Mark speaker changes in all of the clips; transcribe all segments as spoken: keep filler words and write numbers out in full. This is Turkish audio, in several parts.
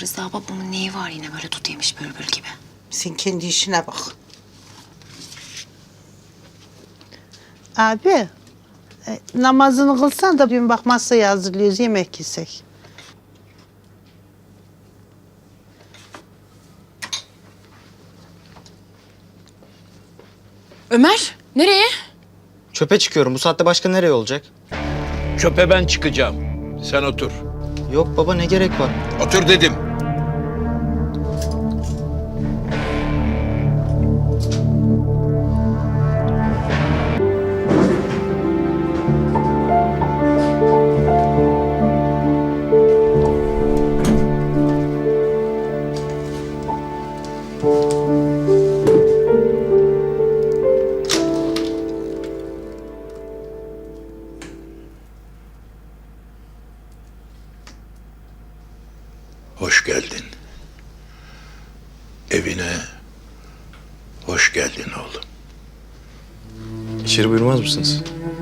Speaker 1: Rıza babamın neyi var yine böyle tut yemiş bülbül gibi?
Speaker 2: Sen kendi işine bak. Abi, e, namazını kılsan da bir bak masayı hazırlıyoruz, yemek yesek.
Speaker 3: Ömer, nereye?
Speaker 4: Çöpe çıkıyorum. Bu saatte başka nereye olacak?
Speaker 5: Çöpe ben çıkacağım. Sen otur.
Speaker 4: Yok baba, ne gerek var?
Speaker 5: Otur dedim. Hoş geldin. Evine hoş geldin oğlum.
Speaker 4: İçeri buyurmaz mısınız?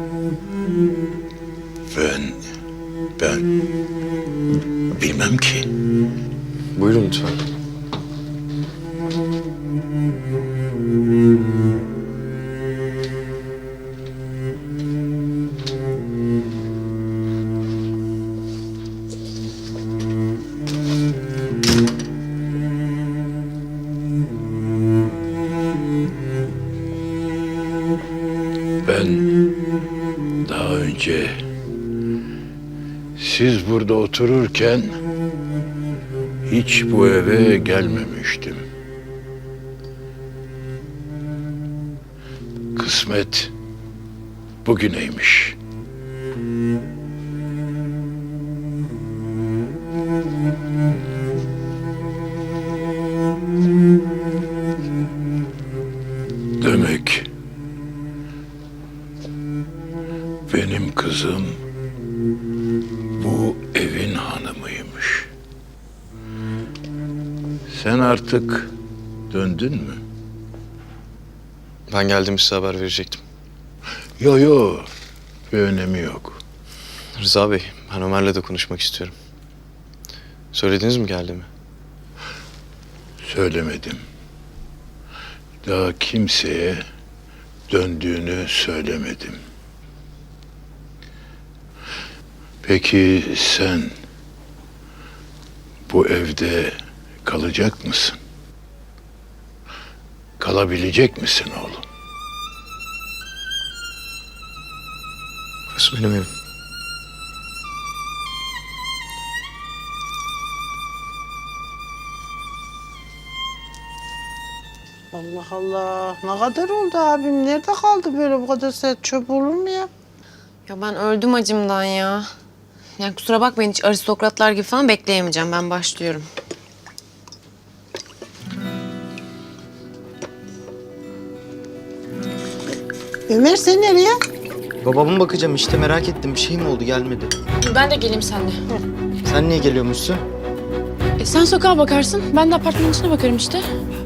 Speaker 5: Ben, ben bilmem ki.
Speaker 4: Buyurun lütfen.
Speaker 5: Ben daha önce siz burada otururken hiç bu eve gelmemiştim. Kısmet bugüneymiş. Demek benim kızım bu evin hanımıymış. Sen artık döndün mü?
Speaker 4: Ben geldim, size haber verecektim.
Speaker 5: Yo yo, bir önemi yok.
Speaker 4: Rıza Bey, ben Ömer'le de konuşmak istiyorum. Söylediniz mi geldiğimi?
Speaker 5: Söylemedim. Daha kimseye döndüğünü söylemedim. Peki sen bu evde kalacak mısın? Kalabilecek misin oğlum?
Speaker 4: Burası benim evim.
Speaker 2: Allah Allah, ne kadar oldu abim? Nerede kaldı böyle bu kadar sert çöp olur mu ya?
Speaker 1: Ya ben öldüm acımdan ya. Yani kusura bakmayın hiç aristokratlar gibi falan bekleyemeyeceğim. Ben başlıyorum.
Speaker 2: Ömer sen nereye?
Speaker 4: Babama bakacağım işte, merak ettim. Bir şey mi oldu, gelmedi?
Speaker 3: Ben de geleyim seninle.
Speaker 4: Sen niye geliyormuşsun?
Speaker 3: E, sen sokağa bakarsın, ben de apartmanın içine bakarım işte.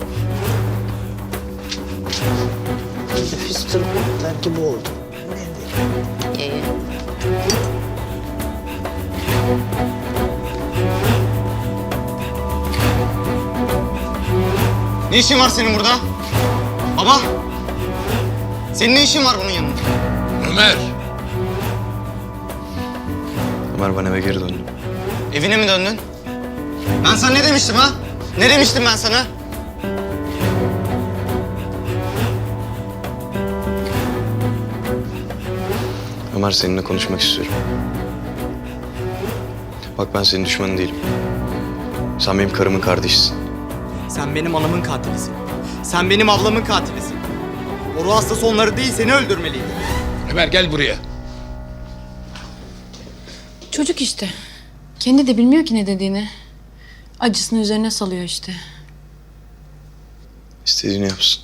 Speaker 2: Nefis tırmıklar gibi oldu.
Speaker 1: Ye ye.
Speaker 4: Ne işin var senin burada? Baba! Senin ne işin var bunun yanında?
Speaker 5: Ömer!
Speaker 4: Ömer, ben eve geri döndüm. Evine mi döndün? Ben sana ne demiştim ha? Ne demiştim ben sana? Ömer, seninle konuşmak istiyorum. Bak, ben senin düşmanın değilim. Sen benim karımın kardeşisin.
Speaker 6: Sen benim anamın katilisin. Sen benim ablamın katilisin. O ruh hastası onları değil, seni öldürmeliydi.
Speaker 5: Ömer gel buraya.
Speaker 3: Çocuk işte. Kendi de bilmiyor ki ne dediğini. Acısını üzerine salıyor işte.
Speaker 4: İstediğini yapsın.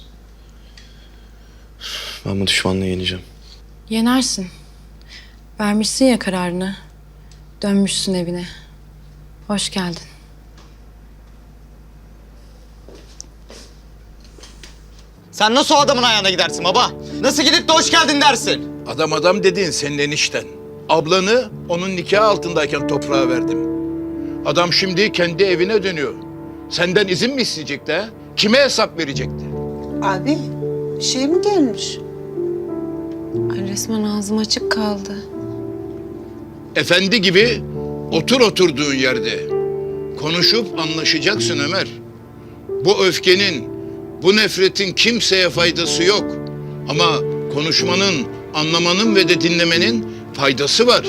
Speaker 4: Ben bu düşmanlığı yeneceğim.
Speaker 3: Yenersin. Vermişsin ya kararını. Dönmüşsün evine. Hoş geldin.
Speaker 4: Sen nasıl o adamın ayağına gidersin baba? Nasıl gidip de hoş geldin dersin?
Speaker 5: Adam adam dediğin senin enişten. Ablanı onun nikahı altındayken toprağa verdim. Adam şimdi kendi evine dönüyor. Senden izin mi isteyecekti ha? Kime hesap verecekti?
Speaker 2: Abi bir şey mi gelmiş?
Speaker 1: Ay resmen ağzım açık kaldı.
Speaker 5: Efendi gibi otur oturduğun yerde. Konuşup anlaşacaksın Ömer. Bu öfkenin, bu nefretin kimseye faydası yok. Ama konuşmanın, anlamanın ve de dinlemenin faydası var.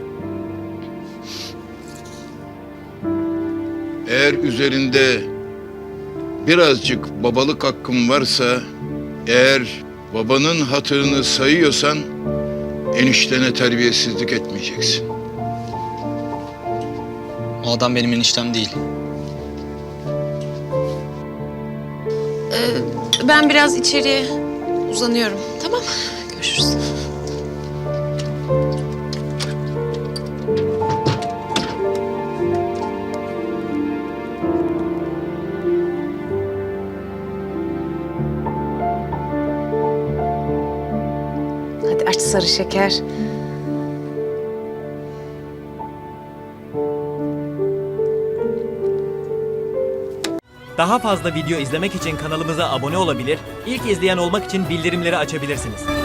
Speaker 5: Eğer üzerinde birazcık babalık hakkın varsa, eğer babanın hatırını sayıyorsan, eniştene terbiyesizlik etmeyeceksin.
Speaker 4: O adam benim eniştem değil.
Speaker 1: Ben biraz içeriye uzanıyorum. Tamam. Görüşürüz. Hadi aç sarı şeker.
Speaker 7: Daha fazla video izlemek için kanalımıza abone olabilir, ilk izleyen olmak için bildirimleri açabilirsiniz.